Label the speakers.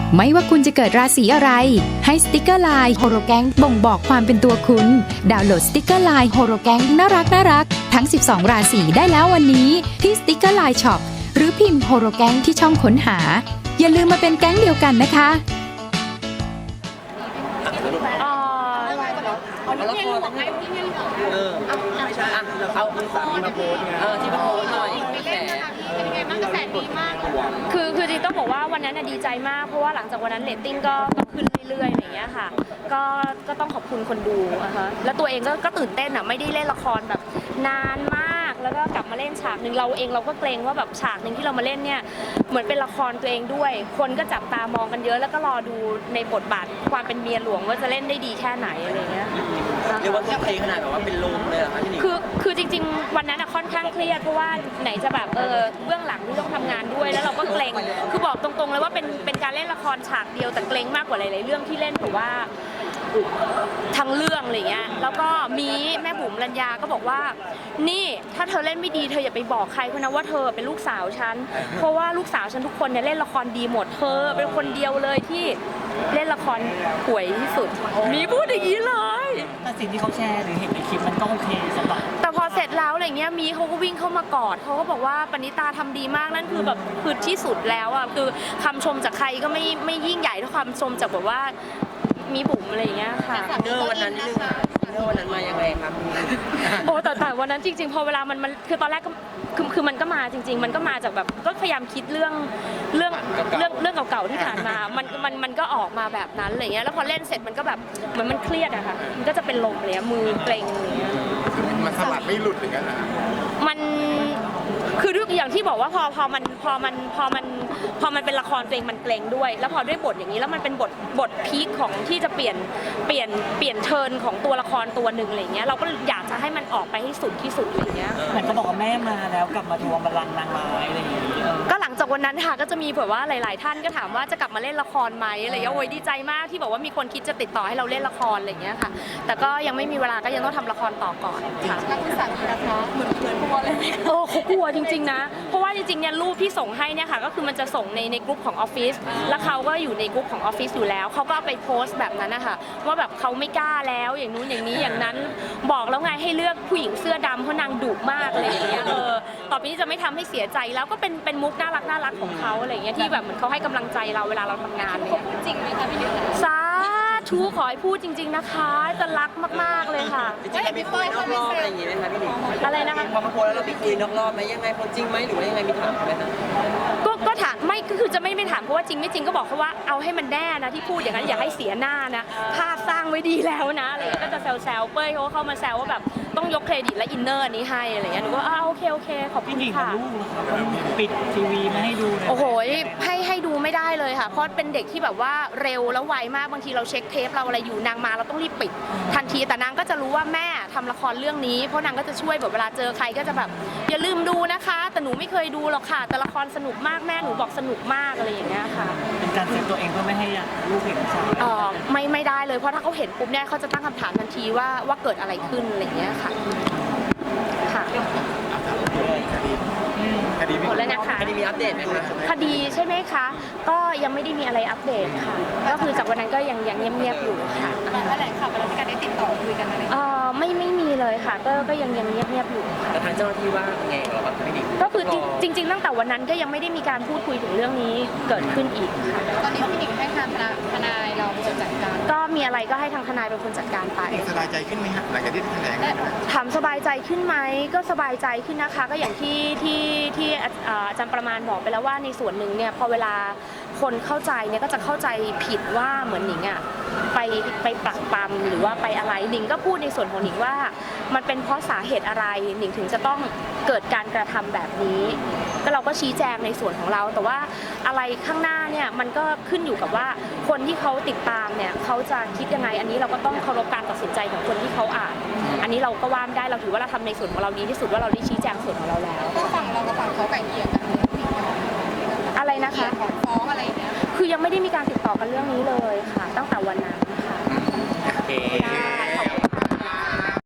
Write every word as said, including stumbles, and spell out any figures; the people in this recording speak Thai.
Speaker 1: ไม่ว่าคุณจะเกิดราศีอะไรให้สติกเกอร์ไลน์โฮโรแกงบ่งบอกความเป็นตัวคุณดาวน์โหลดสติกเกอร์ไลน์โฮโรแกงน่ารักน่ารักทั้งสิบสองราศีได้แล้ววันนี้ที่สติกเกอร์ไลน์ช็อปหรือพิมพ์โฮโรแกงที่ช่องค้นหาอย่าลืมมาเป็นแก๊งเดียวกันนะคะ
Speaker 2: เออไม่ใช่อ่ะเขาที่สามีมาโพสไงเออที่มาโพสหน่อยแฉเป็นยังไงบ้างกระแสดีมาก
Speaker 3: คือคือจริงต้องบอกว่าวันนั้นดีใจมากเพราะว่าหลังจากวันนั้นเรตติ้งก็ขึ้นเรื่อยๆอย่างเงี้ยค่ะก็ก็ต้องขอบคุณคนดูนะคะแล้วตัวเองก็ก็ตื่นเต้นอ่ะไม่ได้เล่นละครแบบนานมากแล้วก็กลับมาเล่นฉากหนึ่งเราเองเราก็เกรงว่าแบบฉากหนึ่งที่เรามาเล่นเนี่ยเหมือนเป็นละครตัวเองด้วยคนก็จับตามองกันเยอะแล้วก็รอดูในบทบาทความเป็นเมียหลวงว่าจะเล่นได้ดีแค่ไหนอะไรเงี้ย
Speaker 2: เรียกว่าทุ่มเทขนาดแบบว่าเป็นลมเลยเหรอคะพี่หนิง
Speaker 3: คือคือจริงๆวันนั้นค่อนข้างเครียดเพราะว่าไหนจะแบบเออเบื้องหลังที่ต้องทำงานด้วยแล้วเราก็เกรงคือบอกตรงๆเลยว่าเป็นเป็นการเล่นละครฉากเดียวแต่เกรงมากกว่าหลายๆเรื่องที่เล่นเพราะว่าทั้งเรื่องอะไรเงี้ยแล้วก็มีแม่บุ๋มรัญญาก็บอกว่านี่ถ้าเธอเล่นไม่ดีเธออย่าไปบอกใครเพราะนะว่าเธอเป็นลูกสาวฉันเพราะว่าลูกสาวฉันทุกคนเนี่ยเล่นละครดีหมดเธอเป็นคนเดียวเลยที่เล่นละครป่วยที่สุดมีพูดอย่างนี้เลย
Speaker 4: แต่สิ่งที่เขาแชร์หรือเห็นในคลิปมันก็โอเคสำหรับ
Speaker 3: แต่พอเสร็จแล้วอะไรเงี้ยมีเขาก็วิ่งเข้ามากอดเขาก็บอกว่าปณิตาทำดีมากนั่นคือแบบคือที่สุดแล้วอ่ะคือคำชมจากใครก็ไม่ไม่ยิ่งใหญ่เท่าคำชมจากแบบว่ามีบุ๋มอะไรอย่างเงี้ยค่ะ
Speaker 2: เนอร์วันนั้นนิดนึงเนอร์วันนั้นมายังไงครับ
Speaker 3: โอ้แต่แต่วันนั้นจริงๆพอเวลามันมันคือตอนแรกก็คือคือมันก็มาจริงๆมันก็มาจากแบบก็พยายามคิดเรื่องเรื่องเรื่องเรื่องเก่าๆที่ผ่านมามันมันมันก็ออกมาแบบนั้นอะไรเงี้ยแล้วพอเล่นเสร็จมันก็แบบเหมือนมันเครียดอะค่ะมันก็จะเป็นลมเลยมือเกร็งอะไรเงี้ย
Speaker 5: มันสลัดไม่หลุดอย่างนั้นนะ
Speaker 3: มันคือด้วยอย่างที่บอกว่าพอพอมันพอมันพอมันพอมันเป็นละครตัวเองมันเกรงด้วยแล้วพอด้วยบทอย่างนี้แล้วมันเป็นบทบทพีคของที่จะเปลี่ยนเปลี่ยนเปลี่ยนเทิร์นของตัวละครตัวหนึ่งอะไรเงี้ยเราก็อยากจะให้มันออกไปให้สุดที่สุดอะไรเงี้ย
Speaker 4: เหมือนเขาบอกว่าแม่มาแล้วกลับมาทวงบัลลังก์นางร้ายอะไรอย่างนี้
Speaker 3: ก็หลังจากวันนั้นค่ะก็จะมีแบบว่าหลาย ๆ ท่านก็ถามว่าจะกลับมาเล่นละครไหมอะไรเงี้ยโอ้ยดีใจมากที่บอกว่ามีคนคิดจะติดต่อให้เราเล่นละครอะไรเงี้ยค่ะแต่ก็ยังไม่มีเวลาก็ยังต้องทำละครต่อก่อนค่ะ
Speaker 6: นักศึกษานะคะเหมือนเหมือนพวกอะไร
Speaker 3: โอ้เขากลัวจริงๆนะเพราะว่าจริงๆเนี่ยรูปที่ส่งให้เนี่ยค่ะก็คือมันจะส่งในในกลุ่มของออฟฟิศแล้วเขาก็อยู่ในกลุ่มของออฟฟิศอยู่แล้วเขาก็ไปโพสต์แบบนั้นนะคะว่าแบบเขาไม่กล้าแล้วอย่างนู้นอย่างนี้อย่างนั้นบอกแล้วไงให้เลือกผู้หญิงเสื้อดำเพราะนางดุมากอะไรอย่างเงี้ยเออต่อไปนี้จะไม่ทำให้เสียใจแล้วก็เป็นเป็นมุกน่ารักน่ารักของเขาอะไรอย่างเงี้ยที่แบบเหมือนเขาให้กำลังใจเราเวลาเราทำงานเลย
Speaker 6: จริงไหมคะพี่นิว
Speaker 3: สาธุขอให้พูดจริงๆนะคะจะรักมากๆเลยค่ะ
Speaker 2: จริงๆพี่คุยนอกรอบอะไรอย่างงี้ไหมคะพี่หนิง
Speaker 3: อะไรนะคะ
Speaker 2: พอมาโพสแล้วเราไปคุยนอกรอบไหมยังไงคนจริงไหมหรือว่ายังไงมีถามไหมคะ
Speaker 3: ก็ก็ถามไม่ก็คือจะไม่ไม่ถามเพราะว่าจริงไม่จริงก็บอกเขาว่าเอาให้มันแน่นะที่พูดอย่างนั้นอย่าให้เสียหน้านะภาพสร้างไว้ดีแล้วนะอะไรก็จะแซวๆเป้ยเขาเข้ามาแซวว่าแบบต้องยกเครดิตและอินเนอร์นี้ให้อะไรเงี้ยหนูก็อ้าโอเคโอเคขอบคุณค่ะ
Speaker 4: ลูกนะครับปิดทีวีไม่ให้ดู
Speaker 3: โอ้โหให้ให้ดูไม่ได้เลยค่ะเพราะเป็นเด็กที่แบบว่าเร็วแล้วไวมากบางทีเราเช็คเทปเราอะไรอยู่นางมาเราต้องรีบปิดทันทีแต่นางก็จะรู้ว่าแม่ทำละครเรื่องนี้เพราะนางก็จะช่วยแบบเวลาเจอใครก็จะแบบอย่าลืมดูนะคะแต่หนูไม่เคยดูหรอกค่ะแต่ละครสนุกมากแม่หนูบอกสนุกมากอะไรอย่างเงี้ยค่ะ
Speaker 4: เป็นการเซฟตัวเองเพื่อไม่ให้ลูกเห็นใช่
Speaker 3: เออไม่ไม่ได้เลยเพราะถ้าเขาเห็นปุ๊บเนี่ยเขาจะตั้งคำถามทันทีว่าว่าเกิดอะไรขึ้นอะไรอย่างเงี้ยค่ะค่ะ
Speaker 5: คดี
Speaker 3: หมดแล้วนะคะ
Speaker 2: คดีมีอัปเดตไหมคะ
Speaker 3: คดีใช่ไหมคะก็ยังไม่ได้มีอะไรอัปเดตค่ะก็คือจากวันนั้นก็ยังยังเงียบๆอยู่ค่ะ
Speaker 6: แถลงข่าวแล้วมีการได้ติดต่อคุยกันอะไร
Speaker 3: เออไม่ไม่มีเลยค่ะก็ก็ยังยังเงียบๆอยู่
Speaker 2: แต่ทางเจ้าหน้าที่ว่าไงกับเราพี่หนิง
Speaker 3: ก็คือจริงๆตั้งแต่วันนั้นก็ยังไม่ได้มีการพูดคุยถึงเรื่องนี้เกิดขึ้นอีกค่ะ
Speaker 6: ตอนนี้พี่หนิงให้ทางทนายเราเป็นคนจัดการ
Speaker 3: ก็มีอะไรก็ให้ทางทนายเป็นคนจัดการไป
Speaker 5: สบายใจขึ้นไหมฮะหลังจากที่แถลง
Speaker 3: ถามสบายใจขึ้นไหมก็สบายใจขึ้นนะคะก็อย่างที่ที่ที่อาจารย์ประมาณบอกไปแล้วว่าในส่วนหนึ่งเนี่ยพอเวลาคนเข้าใจเนี่ยก็จะเข้าใจผิดว่าเหมือนหนิงอ่ะไปไปปรักปรำหรือว่าไปอะไรหนิงก็พูดในส่วนของหนิงว่ามันเป็นเพราะสาเหตุอะไรหนิงถึงจะต้องเกิดการกระทำแบบนี้ก็เราก็ชี้แจงในส่วนของเราแต่ว่าอะไรข้างหน้าเนี่ยมันก็ขึ้นอยู่กับว่าคนที่เขาติดตามเนี่ยเขาจะคิดยังไงอันนี้เราก็ต้องเคารพการตัดสินใจของคนที่เขาอ่านอันนี้เราก็ว่าไม่ได้เราถือว่าเราทำในส่วนของเราดีที่สุดว่าเราได้ชี้แจงส่วนของเราแล้ว
Speaker 6: ฝั่งเรากับฝั่งเขาไก่เกลี่ยกัน
Speaker 3: อะไรนะคะ
Speaker 6: ฟ้องอะไรเนี่ย
Speaker 3: คือยังไม่ได้มีการติดต่อกันเรื่องนี้เลยค่ะตั้งแต่วันนั้นค่ะ
Speaker 2: โอเค